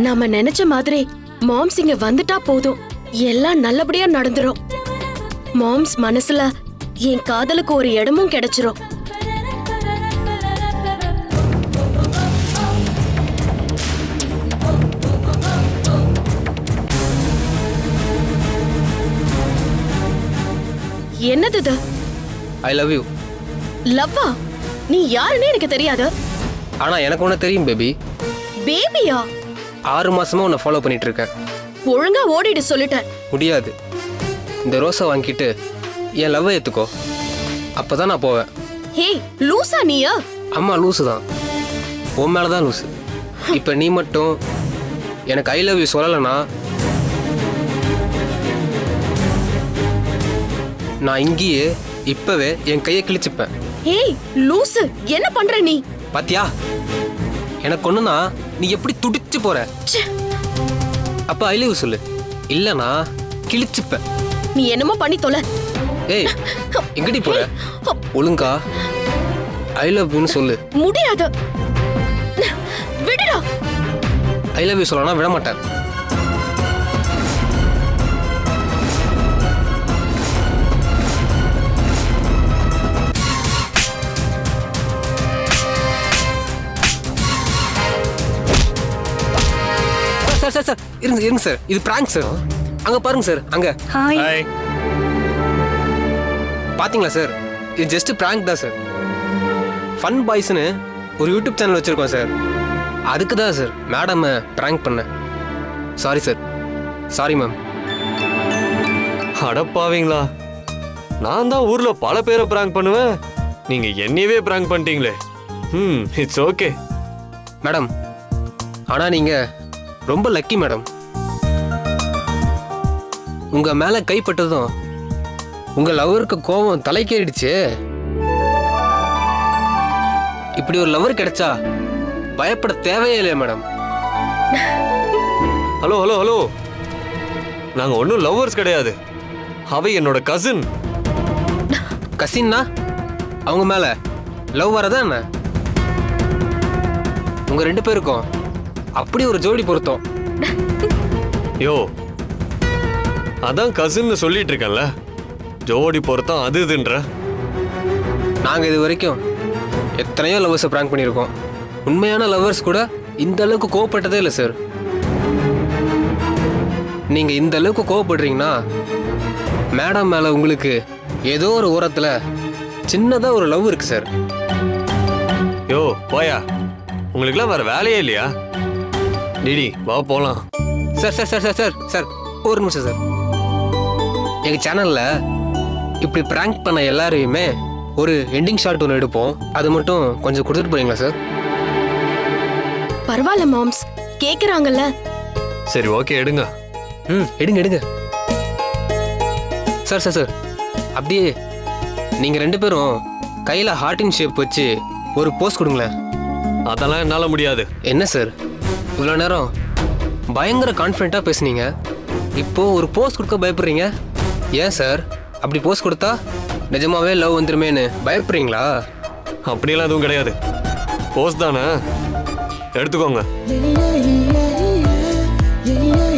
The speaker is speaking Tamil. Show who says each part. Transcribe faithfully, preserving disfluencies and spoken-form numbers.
Speaker 1: நாம நினைச்ச மாதிரி மாம்ஸ் இங்க வந்துட்டா போதும், எல்லாம் நல்லபடியா நடந்துரும். மாம்ஸ் மனசுல என் காதலுக்கு ஒரு இடமும் கிடைச்சிரும். என்னது இது?
Speaker 2: I love you.
Speaker 1: லவ்வா? நீ யாருன்னு எனக்கு தெரியாது.
Speaker 2: ஆனா எனக்கு ஒண்ணு தெரியும் பேபி.
Speaker 1: பேபியா?
Speaker 2: ஆறு மாசமா உன்னை ஃபாலோ பண்ணிட்டு இருக்கேன்.
Speaker 1: ஒழுங்கா ஓடிடு சொல்லிட்டேன்.
Speaker 2: முடியாது. இந்த ரோஸை வாங்கிட்டு என் லவ்வை ஏத்துக்கோ, அப்பதான் நான் போவேன்.
Speaker 1: ஹே லூசா நீயா?
Speaker 2: அம்மா லூசு தான், உன் மேலதான் லூசு. இப்ப நீ மட்டும் எனக்கு ஐ லவ் யூ சொல்லலைன்னா நான் இங்கேயே இப்பவே என் கையை கிழிச்சுப்பேன்.
Speaker 1: ஏய் லூசு, என்ன பண்ற நீ?
Speaker 2: பாத்தியா, எனக்கு ஒண்ணுனா நீ எப்படி துடிச்சு போற. அப்ப ஐ லவ் யூ சொல்லு, இல்லனா கிழிச்சுப்ப.
Speaker 1: நீ என்னமோ பண்ணி தொலை.
Speaker 2: ஏய் எங்கடி போற? ஒழுங்கா ஐ லவ் யூன்னு சொல்லு.
Speaker 1: முடியாது, விடுடா.
Speaker 2: ஐ லவ் யூ சொல்லனா விட மாட்டேன். சார் சார் சார் இருங்க இருங்க சார், இது பிராங்க் சார். அங்க பாருங்க சார், அங்க.
Speaker 1: ஹாய்.
Speaker 2: பாத்தீங்களா சார், இது ஜஸ்ட் பிராங்க் தான் சார். ஃபன் பாய்ஸ்னு ஒரு யூடியூப் சேனல் வச்சிருக்கோம் சார், அதுக்கு தான் சார் மேடம் பிராங்க் பண்ணேன். Sorry sir, sorry ma'am.
Speaker 3: அடப்பாவீங்களா, நான் தான் ஊர்ல பல பேரை பிராங்க் பண்ணுவேன், நீங்க என்னையவே பிராங்க் பண்ணிட்டீங்களே. ம் இட்ஸ் ஓகே
Speaker 2: மேடம். ஆனா நீங்க ரொம்ப லக்கி மேடம். உங்க மேல கைப்பட்டதும் உங்க லவருக்கு கோபம் தலைக்கேறிடுச்சு. இப்படி ஒரு லவர் கிடைச்சா பயப்பட தேவையே இல்லையா மேடம்?
Speaker 3: ஹலோ ஹலோ ஹலோ, நாங்க ஒன்றும் லவ்வர்ஸ் கிடையாது, அவ என்னோட கசின்.
Speaker 2: கசின்னா அவங்க மேல லவ் வரதா என்ன? உங்க ரெண்டு பேருக்கும் அப்படி ஒரு ஜோடி பொருத்தம்.
Speaker 3: யோ அதான் கசின்னு சொல்லிட்டு இருக்கேன்ல, ஜோடி பொருத்தம் அது இதுன்ற.
Speaker 2: நாங்க இது வரைக்கும் எத்தனையோ லவ்வர்ஸை பிராங்க் பண்ணியிருக்கோம். உண்மையான லவ்வர்ஸ் கூட இந்த அளவுக்கு கோவப்பட்டதே இல்லை சார். நீங்க இந்த அளவுக்கு கோவப்படுறீங்கன்னா மேடம் மேல உங்களுக்கு ஏதோ ஒரு ஓரத்துல சின்னதா ஒரு லவ் இருக்கு சார்.
Speaker 3: யோ போயா, உங்களுக்குலாம் வேற வேலையே இல்லையா? டிடி வா போலாம்.
Speaker 2: Sir sir sir sir sir sir ஒரு நிமிஷம் சார். எங்க சேனல்ல இப்படி பிராங்க் பண்ண எல்லாரையுமே ஒரு எண்டிங் ஷாட் ஒன்று எடுப்போம், அது மட்டும் கொஞ்சம் கொடுத்துட்டு போறீங்களா சார்?
Speaker 1: பரவாயில்ல மாம்ஸ், கேக்குறாங்கல்ல.
Speaker 3: சரி ஓகே எடுங்க.
Speaker 2: ம் எடுங்க எடுங்க. சார் சார் சார் அப்படியே நீங்க ரெண்டு பேரும் கையில ஹார்டின் ஷேப் வச்சு ஒரு போஸ் கொடுங்களேன்.
Speaker 3: அதெல்லாம் என்னால முடியாது.
Speaker 2: என்ன சார் இவ்வளோ நேரம் பயங்கர கான்ஃபிடென்ட்டாக பேசுனீங்க, இப்போ ஒரு போஸ் கொடுக்க பயப்படுறீங்க? ஏன் சார் அப்படி போஸ் கொடுத்தா நிஜமாவே லவ் வந்துருமேன்னு பயப்படுறீங்களா?
Speaker 3: அப்படியெல்லாம் எதுவும் கிடையாது, போஸ் தானே, எடுத்துக்கோங்க.